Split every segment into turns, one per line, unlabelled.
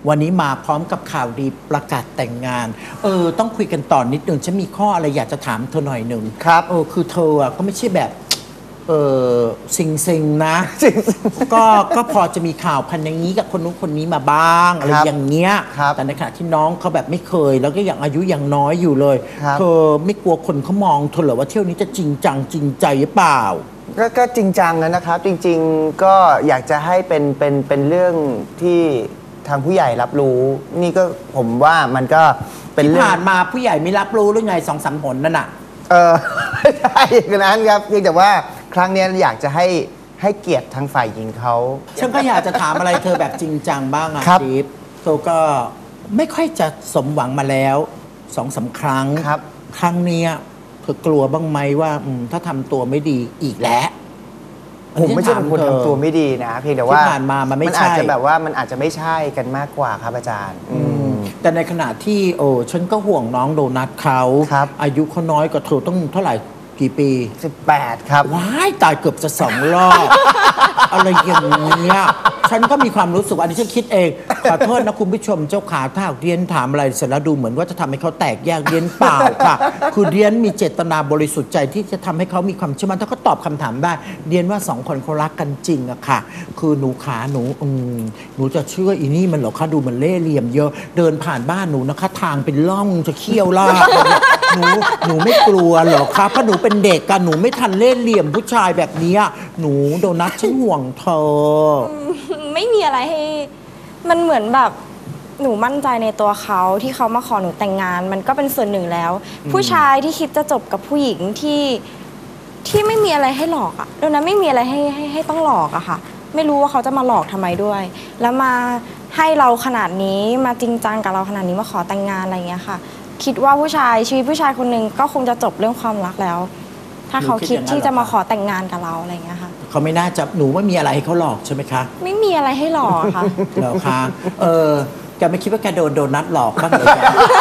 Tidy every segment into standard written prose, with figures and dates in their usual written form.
วันนี้มาพร้อมกับข่าวดีประกาศแต่งงานต้องคุยกันต่อนิดนึงฉันมีข้ออะไรอยากจะถามเธอหน่อยหนึ่ง
ครับ
คือเธอก็ไม่ใช่แบบซิงนะก็พอจะมีข่าวพันอย่างนี้กับคนนู้นคนนี้มาบ้างอะไรอย่างเงี้ยแต่ในขณะที่น้องเขาแบบไม่เคยแล้วก็ยังอายุยังน้อยอยู่เลยเธอไม่กลัวคนเขามองเธอเหรอว่าเที่ยวนี้จะจริงจังจริงใจหรือเปล่า
ก็จริงจังนะครับจริงๆก็อยากจะให้เป็นเรื่องที่ทางผู้ใหญ่รับรู้นี่ก็ผมว่ามันก็เป็น
ที่ผ่านมาผู้ใหญ่ไม่รับรู้หรือไง2-3 หนนั่นน่ะ
ไม่ใช่อย่างนั้นครับเพียงแต่ว่าครั้งนี้อยากจะให้เกียรติทางฝ่ายหญิงเขา
ฉันก็อยากจะถามอะไรเธอแบบจริงจังบ้างอ่ะดิฟเธอก็ไม่ค่อยจะสมหวังมาแล้ว2-3 ครั้งครั้งนี้เธอกลัวบ้างไหมว่าถ้าทำตัวไม่ดีอีกแล้ว
ผมไม่ใช่เป็นคนทำตัวไม่ดีนะเพียงแต่ว่า
ที่ผ่านมามันไม่ใช่
อาจจะแบบว่ามันอาจจะไม่ใช่กันมากกว่าครับอาจารย์
แต่ในขณะที่ฉันก็ห่วงน้องโดนัทเขาอายุเขาน้อยกว่าเธอต้องเท่าไหร่กี่ปี
18ครับ
ว้ายตายเกือบจะ2 รอบ อะไรอย่างเงี้ยฉันก็มีความรู้สึกอันนี้ฉันคิดเองขอโทษนะคุณผู้ชมเจ้าขาถ้าเรียนถามอะไรเสร็จแล้วดูเหมือนว่าจะทำให้เขาแตกแยกเรียนเปล่าค่ะคือเรียนมีเจตนาบริสุทธิ์ใจที่จะทำให้เขามีความเชื่อมั่นถ้าเขาตอบคำถามได้เรียนว่า2 คนเขารักกันจริงอะค่ะคือหนูขาหนูจะเชื่ออีนี่มันเหรอคะดูมันเล่ห์เหลี่ยมเยอะเดินผ่านบ้านหนูนะคะทางเป็นร่องจะเขี้ยวล่าหนูไม่กลัวเหรอคะเพราะหนูเป็นเด็กกันหนูไม่ทันเล่ห์เหลี่ยมผู้ชายแบบนี้หนูโดนัทฉันห่วงเธอ
ไม่มีอะไรให้มันเหมือนแบบหนูมั่นใจในตัวเขาที่เขามาขอหนูแต่งงานมันก็เป็นส่วนหนึ่งแล้วผู้ชายที่คิดจะจบกับผู้หญิงที่ไม่มีอะไรให้หลอกอะโดนัทไม่มีอะไรให้ต้องหลอกอะค่ะไม่รู้ว่าเขาจะมาหลอกทำไมด้วยแล้วมาให้เราขนาดนี้มาจริงจังกับเราขนาดนี้มาขอแต่งงานอะไรอย่างเงี้ยค่ะคิดว่าชีวิตผู้ชายคนหนึ่งก็คงจะจบเรื่องความรักแล้วถ้าเขาคิดที่จะมาขอแต่งงานกับเราอะไรอย่างเงี้ยค่ะ
เขาไม่น่าจะหนูไม่มีอะไรให้เขาหลอกใช่ไหมคะ
ไม่มีอะไรให้หลอกค่ะ
เหรอคะแกไม่คิดว่าแกโดนัทหลอกบ้างเลย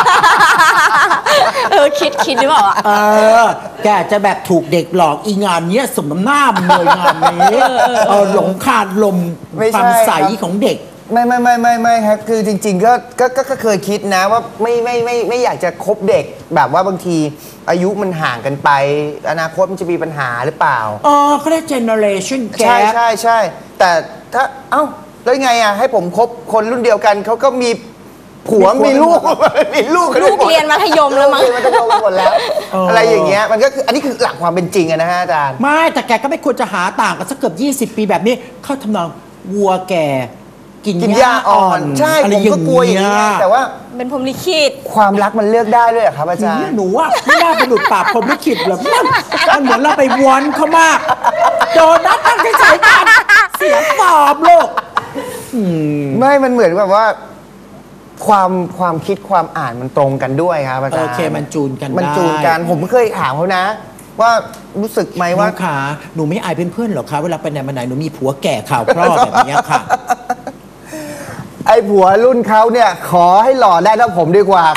คิดหรือเปล่า
แกจะแบบถูกเด็กหลอกอีงานเนี้ยสมน้ำหน้ามันเลยงานนี้หลงคาดลมความใสของเด็ก
ไม่ครับคือจริงๆก็เคยคิดนะว่าไม่อยากจะคบเด็กแบบว่าบางทีอายุมันห่างกันไปอนาคตมันจะมีปัญหาหรือเปล่า
เขาเรียก generation
gap ใช่แต่ถ้าแล้วไงให้ผมคบคนรุ่นเดียวกันเขาก็มีผัวมีลูก
เรียนมัธยมแล้วมั้ง
มัธยมหมดแล้วอะไรอย่างเงี้ยมันก็คืออันนี้คือหลักความเป็นจริงนะฮะอาจารย์
ไม่แต่แกก็ไม่ควรจะหาต่างกันสักเกือบ20 ปีแบบนี้เข้าทำนองวัวแก่กินหญ้าอ่อน
ใช่ผมก็กลัวอย่างนี้แต่ว่า
เป็นพรหมลิขิต
ความรักมันเลือกได้ด้วยครับอาจารย์
หนูว่าไม่น่าไปหลุดปากพรหมลิขิตหรอกมันเหมือนเราไปวอนเขามากโดนัทตั้งใจกันเสียฟอร์มลูก
ไม่มันเหมือนแบบว่าความคิดความอ่านมันตรงกันด้วยครับอาจารย์
โอเคมันจูนกัน
ผมเคยถามเขานะว่ารู้สึกไหมว่า
ขาหนูไม่อายเพื่อนๆหรอคะเวลาไปไหนมาไหนหนูมีผัวแก่ข่าวครอบแบบนี้ค่ะ
ไอ้ผัวรุ่นเขาเนี่ยขอให้หล่อได้เท่าผมดีกว่า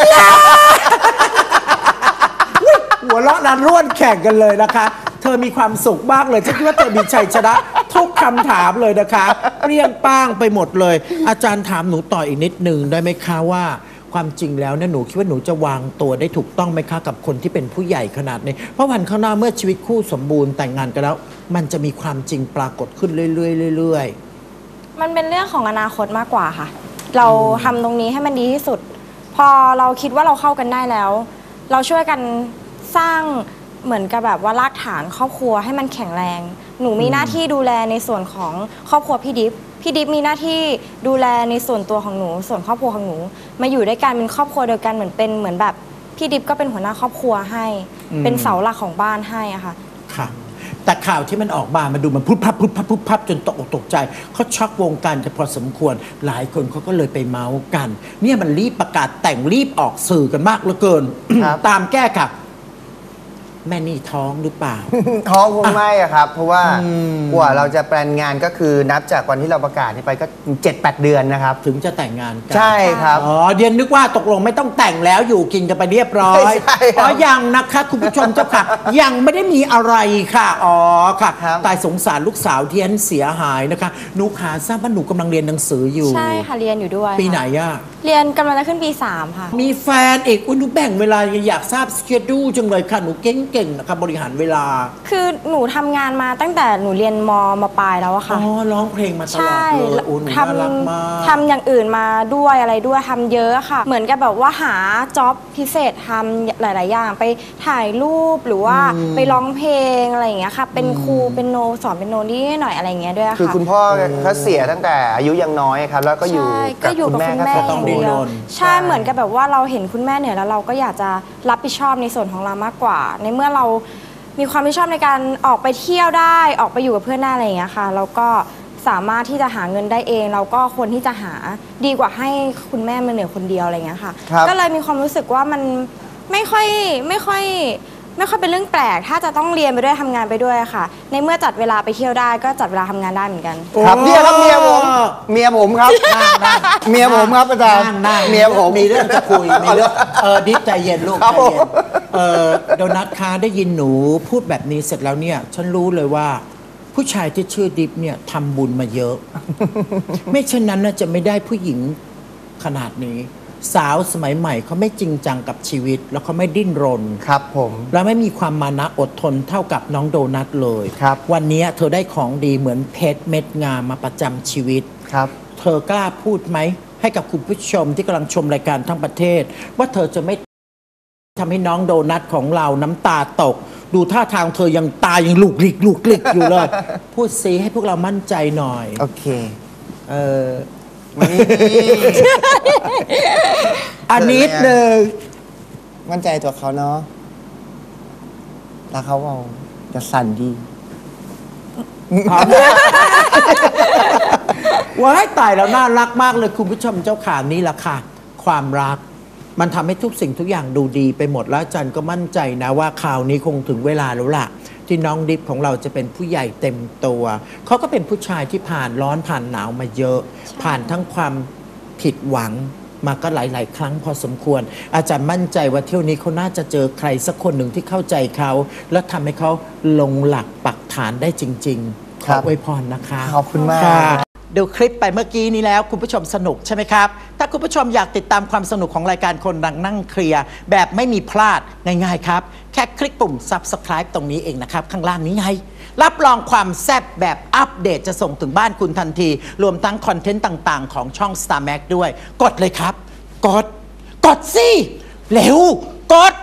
หัวเราะรันร่วนแข่งกันเลยนะคะเธอมีความสุขมากเลยฉันคิดว่าเธอมีชัยชนะทุกคำถามเลยนะคะเรียงป้างไปหมดเลยอาจารย์ถามหนูต่ออีกนิดนึงได้ไหมคะว่าความจริงแล้วเนี่ยหนูคิดว่าหนูจะวางตัวได้ถูกต้องไหมคะกับคนที่เป็นผู้ใหญ่ขนาดนี้เพราะวันข้างหน้าเมื่อชีวิตคู่สมบูรณ์แต่งงานกันแล้วมันจะมีความจริงปรากฏขึ้นเรื่อย
ๆมันเป็นเรื่องของอนาคตมากกว่าค่ะเราทำตรงนี้ให้มันดีที่สุดพอเราคิดว่าเราเข้ากันได้แล้วเราช่วยกันสร้างเหมือนกับแบบว่ารากฐานครอบครัวให้มันแข็งแรงหนูมีหน้าที่ดูแลในส่วนของครอบครัวพี่ดิฟมีหน้าที่ดูแลในส่วนตัวของหนูส่วนครอบครัวของหนูมาอยู่ด้วยกันเป็นครอบครัวเดียวกันเหมือนแบบพี่ดิฟก็เป็นหัวหน้าครอบครัวให้เป็นเสาหลักของบ้านให้อะค่ะ
ค่ะแต่ข่าวที่มันออกมาดูมันพุบพับจนตกใจเขาช็อกวงการจะพอสมควรหลายคนเขาก็เลยไปเมาส์กันเนี่ยมันรีบประกาศแต่งรีบออกสื่อกันมากเหลือเกินตามแก้ค่ะแม่นี่ท้องหรือเปล่า
ท้องคงไม่อะครับ เพราะว่ากว่าเราจะแปลนงานก็คือนับจากวันที่เราประกาศนี้ไปก็ 7-8 เดือนนะครับ
ถึงจะแต่งงานกัน
ใช่ครับ
อ๋อเดียนนึกว่าตกลงไม่ต้องแต่งแล้วอยู่กินกันไปเรียบร้อย
ใช่ครับ
อ๋อยังนะคะคุณผู้ชมเจ้าค่ะ ยังไม่ได้มีอะไรค่ะอ๋อค่ะ
ครับ
ตายสงสารลูกสาวเทียนเสียหายนะคะหนูขาทราบว่าหนูกำลังเรียนหนังสืออยู่
ใช่ค่ะเรียนอยู่ด้วย
ปีไหน
ค่ะ
อะ
เรียนกำลังจะขึ้นปี 3 ค่ะ
มีแฟนเอกอุ้ยหนูแบ่งเวลาอยากทราบสเกดูจังเลยค่ะหนูเก่งๆนะคะบริหารเวลา
คือหนูทำงานมาตั้งแต่หนูเรียนมปลายแล้วอะ
อ๋
ค่ะ
อร้องเพลงมาตลอด
ใช่
เลยโอ้หนูน่ารักมาก
ทำอย่างอื่นมาด้วยอะไรด้วยทำเยอะค่ะ เหมือนกับแบบว่าหาจ็อบพิเศษทำหลาย ๆ อย่างไปถ่ายรูปหรือว่าไปร้องเพลงอะไรอย่างเงี้ยค่ะ เป็นครูเป็นโนสอนเป็นโนนี่หน่อยอะไรอย่างเงี้ยด้วยค่ะ
คือคุณพ่อเขาเสียตั้งแต่อายุยังน้อยครับ แล้วก็อยู่
ใช่
กั
ก็
บ
อยู่
คุณ
กับ
แม่
คุณ
ก็
แม่
ต้อง
อ
ดู
ย่างเดียว
ดิ้นรน
ใช่เหมือนกับแบบว่าเราเห็นคุณแม่เหนื่อยแล้วเราก็อยากจะรับผิดชอบในส่วนของเรามากกว่า ในเมื่อเรามีความรับผิดชอบในการออกไปเที่ยวได้ออกไปอยู่กับเพื่อนได้อะไรอย่างเงี้ยค่ะเราก็สามารถที่จะหาเงินได้เอง เราก็ควรที่จะหาดีกว่าให้คุณแม่มาเหนื่อยคนเดียวอะไรอย่างเงี้ยค่ะ
ครับ
ก็เลยมีความรู้สึกว่ามันไม่ค่อยเป็นเรื่องแปลก ถ้าจะต้องเรียนไปด้วยทำงานไปด้วยค่ะ ในเมื่อจัดเวลาไปเที่ยวได้ก็จัดเวลาทำงานได้เหมือนกัน
ครับเนี่ยครับเมียผมครับเมียผมครับอาจารย์
นั่ง
เมียผม
มีเรื่องจะคุยมีเรื่องดิฟใจเย็นลูก
ครับ
ใจเย็น
ผม
โดนัทคะได้ยินหนูพูดแบบนี้เสร็จแล้วเนี่ย ฉันรู้เลยว่า ผู้ชายที่ชื่อดิฟเนี่ยทำบุญมาเยอะ ไม่เช่นนั้นน่าจะไม่ได้ผู้หญิงขนาดนี้ สาวสมัยใหม่เขาไม่จริงจังกับชีวิต แล้วเขาไม่ดิ้นรน
ครับผม
และไม่มีความมานะอดทนเท่ากับน้องโดนัทเลย
ครับ
วันนี้เธอได้ของดีเหมือนเพชรเม็ดงามมาประจำชีวิต
ครับ
เธอกล้าพูดไหม ให้กับคุณผู้ชมที่กำลังชมรายการทั้งประเทศ ว่าเธอจะไม่ทำให้น้องโดนัทของเราน้ำตาตก ดูท่าทางเธอยังตายังลูกหลิกอยู่เลย พูดซิให้พวกเรามั่นใจหน่อย
โอเค
เออ
นี่
อันนิดหนึ่ง
มั่นใจตัวเขาเนาะแล้วเขาเอาจะสั่นดี
พร้อมว้ายตายแล้วน่ารักมากเลยคุณผู้ชมเจ้าขานี่แหละค่ะ ความรัก มันทำให้ทุกสิ่งทุกอย่างดูดีไปหมดแล้วอาจันก็มั่นใจนะว่าข่าวนี้คงถึงเวลาแล้วล่ะ ที่น้องดิฟของเราจะเป็นผู้ใหญ่เต็มตัวเขาก็เป็นผู้ชายที่ผ่านร้อนผ่านหนาวมาเยอะ ผ่านทั้งความผิดหวังมาก็หลาย ๆ ครั้งพอสมควร อาจารย์มั่นใจว่าเที่ยวนี้เขาน่าจะเจอใครสักคนหนึ่งที่เข้าใจเขา แล้วทำให้เขาลงหลักปักฐานได้จริง ๆ ข
ครั
อบ อวยพรนะคะ
ขอบคุณมาก
ค่ะดูคลิปไปเมื่อกี้นี้แล้วคุณผู้ชมสนุกใช่ไหมครับ ถ้าคุณผู้ชมอยากติดตามความสนุกของรายการคนดังนั่งเคลียร์แบบไม่มีพลาดง่ายๆครับ แค่คลิกปุ่ม subscribe ตรงนี้เองนะครับ ข้างล่างนี้ไง รับรองความแซ่บแบบอัปเดตจะส่งถึงบ้านคุณทันที รวมทั้งคอนเทนต์ต่างๆ ของช่อง Star Max ด้วย กดเลยครับ กดสิเร็วกด